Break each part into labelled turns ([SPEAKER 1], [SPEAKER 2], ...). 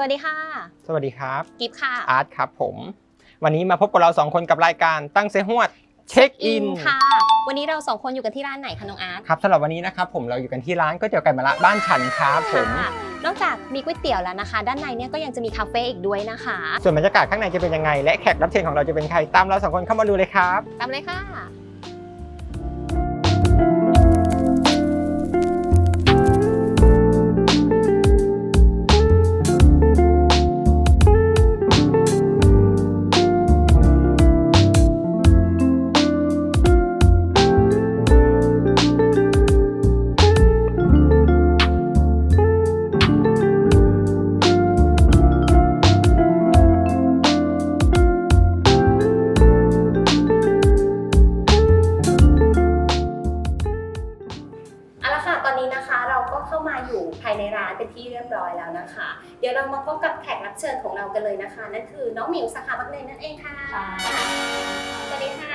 [SPEAKER 1] วัสดีค่ะ
[SPEAKER 2] สวัสดีครับ
[SPEAKER 1] กิฟค่ะ
[SPEAKER 2] อาร์ตครับผมวันนี้มาพบกับเรา2คนกับรายการตั้งเซฮวดเช็คอิน
[SPEAKER 1] ค่ะวันนี้เรา2คนอยู่กันที่ร้านไหนคะน้องอาร์ต
[SPEAKER 2] ครับสำหรับวันนี้นะครับผมเราอยู่กันที่ร้านก๋วยเตี๋ยวไก่มะระบ้านฉันครับผม
[SPEAKER 1] นอกจากมีก๋วยเตี๋ยวแล้วนะคะด้านในเนี่ยก็ยังจะมีคาเฟ่อีกด้วยนะคะ
[SPEAKER 2] ส่วนบรรยากาศข้างในจะเป็นยังไงและแขกรับเชิญของเราจะเป็นใครตามเรา2คนเข้ามาดูเลยครับ
[SPEAKER 1] ตามเลยค่ะภายในร้านเป็นที่เรียบร้อยแล้วนะคะเดี๋ยวเรามาพบกับแขกรับเชิญของเรากันเลยนะคะนั่นคือน้องหมิวสาขาบางเลนนั่นเองค่ะสวัสดีค่ะ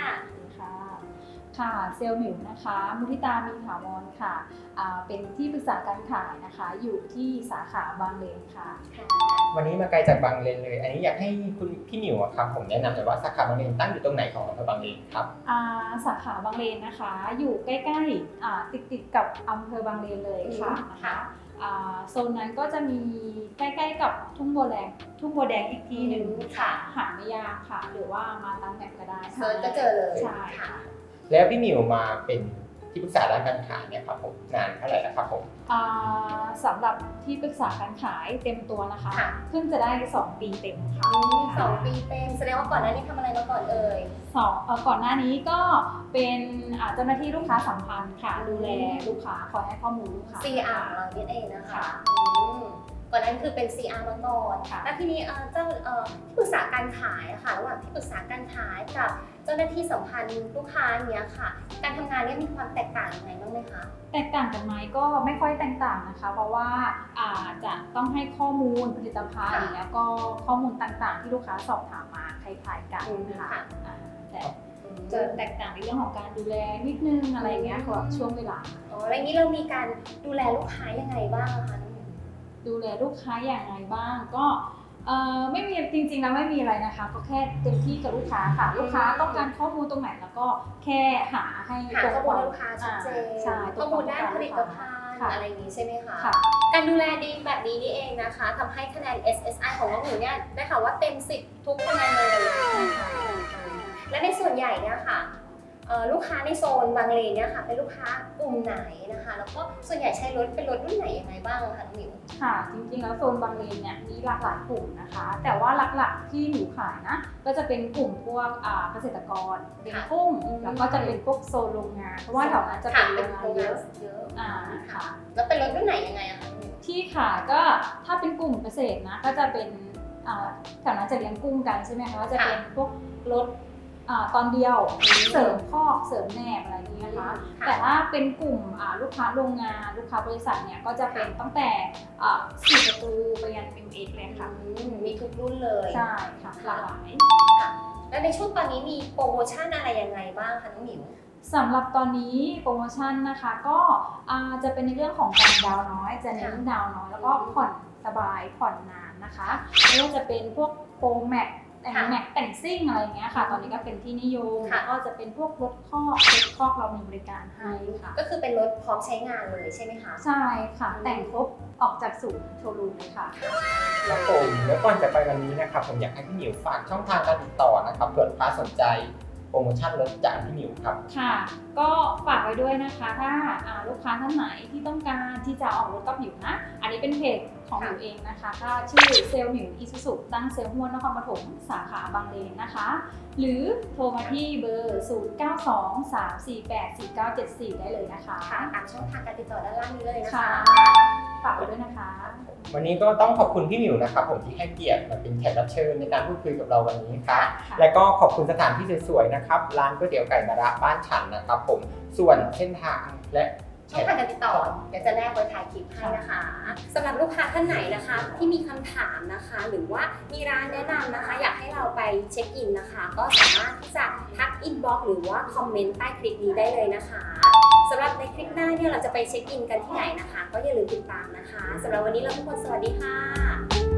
[SPEAKER 3] ค่ะเซลล์หมิวนะคะมุทิตามีถาวรค่ะเป็นที่ปรึกษาการขายนะคะอยู่ที่สาขาบางเลนค่ะ
[SPEAKER 2] วันนี้มาไกลจากบางเลนเลยอันนี้อยากให้คุณพี่หมิวครับผมแนะนำหน่อยว่าสาขาบางเลนตั้งอยู่ตรงไหนของอำเภอบางเลนครับ
[SPEAKER 3] สาขาบางเลนนะคะอยู่ใกล้ๆติดกับอำเภอบางเลนเลยค่ะนะคะโซนนั้นก็จะมีใกล้ๆกับทุ่งบัวแดงอีกทีหนึ่งค่ะหาไม่ยากค่ะหรือว่ามาตามแมปก็ได้
[SPEAKER 1] เซิร์ชก็เจอเลย
[SPEAKER 3] ใช่ค่ะ
[SPEAKER 2] แล้วพี่หมิวมาเป็นที่ปรึกษาด้านการขายเนี่ยครับผมนานเท่าไหร่แล้วครับผม
[SPEAKER 3] สำหรับที่ปรึกษาการขายเต็มตัวนะคะเพิ่งจะได้2 ปีเต็มค่ะ
[SPEAKER 1] 2 ปีเต็มแสดงว่าก่อนหน้านี้ทำอะไรมาก่อนเอ่ย
[SPEAKER 3] ก่อนหน้านี้ก็เป็นเจ้าหน้าที่ลูกค้าสัมพันธ์ค่ะดูแลลูกค้าคอยให้ข้อมูลลูกค้า
[SPEAKER 1] CR เราเนี่ยเองนะคะก่อนนั้นคือเป็น CR มาก่อนแล้วทีนี้เจ้าที่ปรึกษาการขายค่ะระหว่างที่ปรึกษาการขายกับเจ้าหน้าที่สัมพันธ์ลูกค้าเนี้ยค่ะการทำงานเนี่ยมีความแตกต่างยังไงบ้างไหมคะ
[SPEAKER 3] แตกต่างกันไหมก็ไม่ค่อยแตกต่างนะคะเพราะว่าจะต้องให้ข้อมูลผลิตภัณฑ์แล้วก็ข้อมูลต่างๆที่ลูกค้าสอบถามมาคล้ายๆกันค่ะแต่จะแตกต่างในเรื่องของการดูแลนิดนึงอะไรเงี้ยค่ะช่วงเวลา
[SPEAKER 1] อะไรนี้เรามีการดูแลลูกค้ายังไงบ้างคะ
[SPEAKER 3] ดูแลลูกค้าอย่างไรบ้างก็ไม่มีจริงๆแล้วไม่มีอะไรนะคะก็แค่เต็มที่กับลูกค้าค่ะลูกค้าต้องการข้อมูลตรงไหนแล้วก็แค่หาให้
[SPEAKER 1] ข้อมูลลูกค้าชัดเจนข้อมูลด้านผลิตภัณฑ์อะไรอย่างนี้ใช่ไหมคะการดูแลดีแบบนี้นี่เองนะคะทำให้คะแนน SSI ของน้องหนูเนี่ยได้ค่ะว่าเต็ม10ทุกคะแนนเลยและในส่วนใหญ่เนี่ยค่ะลูกค้าในโซนบางเลนเนี่ยค่ะเป็นลูกค้ากลุ่มไหนนะคะแล้วก็ส่วนใหญ่ใช้รถเป็นรถรุ่นไหนยังไงบ้างคะน้องหมิว
[SPEAKER 3] ค่ะจริงๆแล้วโซนบางเลนเนี่ยมีหลากหลายกลุ่มนะคะแต่ว่าหลักๆที่หนูขายนะก็จะเป็นกลุ่มพวกเกษตรกรเป็นกุ้งแล้วก็จะเป็นพวกโซนโรงงานเพราะว่าแถวนั้นจะเป็นโรงงานเยอะ
[SPEAKER 1] ค่ะแล้วเป็นรถรุ่นไหนยังไงอะคะ
[SPEAKER 3] ที่ขายก็ถ้าเป็นกลุ่มเกษตรนะก็จะเป็นแถวนั้นจะเลี้ยงกุ้งกันใช่ไหมคะก็จะเป็นพวกรถตอนเดียวเสริมคอกเสริมแนบอะไรอย่างนี้นะคะแต่ถ้าเป็นกลุ่มลูกค้าโรงงานลูกค้าบริษัทเนี่ยก็จะเป็นตั้งแต่4 ประตูไปยัน MX เลยค่ะ
[SPEAKER 1] มีทุกรุ่นเลย
[SPEAKER 3] ใช่ค่ะหลากหลาย
[SPEAKER 1] แล้วในช่วงตอนนี้มีโปรโมชั่นอะไรยังไงบ้างคะน้องหมิว
[SPEAKER 3] สำหรับตอนนี้โปรโมชั่นนะคะก็จะเป็นในเรื่องของการดาวน้อยจะเน้นดาวน้อยแล้วก็ผ่อนสบายผ่อนนานนะคะไม่ว่าจะเป็นพวกโปรแม็กแต่งซิ่งอะไรเงี้ยค่ะตอนนี้ก็เป็นที่นิยมแล้วก็จะเป็นพวกรถคอกเรามีบริการให้ค่ะ
[SPEAKER 1] ก็คือเป็นรถพร้อมใช้งานเลยใช่ไหมคะ
[SPEAKER 3] ใช่ค่ะแต่งครบออกจากศูนย์โชว์รูมเลยค่ะ
[SPEAKER 2] ครับผมแล้วก่อนจะไปวันนี้นะครับผมอยากให้พี่หมิวฝากช่องทางการติดต่อนะครับเผื่อลูกค้าสนใจโปรโมชั่นลดจากพี่หมิวครับ
[SPEAKER 3] ค่ะก็ฝากไว้ด้วยนะคะถ้าลูกค้าท่านไหนที่ต้องการที่จะออกรถกับหมิวนะอันนี้เป็นเพจของหมิวเองนะคะก็ชื่อเซลล์หมิวอิซูซุตั้งเซลล์ห้วนนครปฐมสาขาบางเลนนะคะหรือโทรมาที่เบอร์ 0923484974 ได้เลยนะคะ
[SPEAKER 1] ตามช่องทางการติดต่อด้านล่างนี้เลยนะคะ
[SPEAKER 3] ฝากไว้ด้วยนะคะ
[SPEAKER 2] วันนี้ก็ต้องขอบคุณพี่หมิวนะครับผมที่ให้เกียรติมาเป็นแขกรับเชิญในการพูดคุยกับเราวันนี้ครับและก็ขอบคุณสถานที่สวยๆนะครับร้านก๋วยเตี๋ยวไก่มะระบ้านฉันนะครับผมส่วนเส้นทางและ
[SPEAKER 1] ช่องทางการติดต่อเดี๋ยวจะแนบไว้ท้ายคลิปให้นะคะสำหรับลูกค้าท่านไหนนะคะที่มีคำถามนะคะหรือว่ามีร้านแนะนำนะคะอยากให้เราไปเช็คอินนะคะก็สามารถที่จะทักอินบ็อกซ์หรือว่าคอมเมนต์ใต้คลิปนี้ได้เลยนะคะสำหรับในคลิปหน้าเนี่ยเราจะไปเช็คอินกันที่ไหนนะคะก็อย่าลืมติดตามนะคะสำหรับวันนี้เราทุกคนสวัสดีค่ะ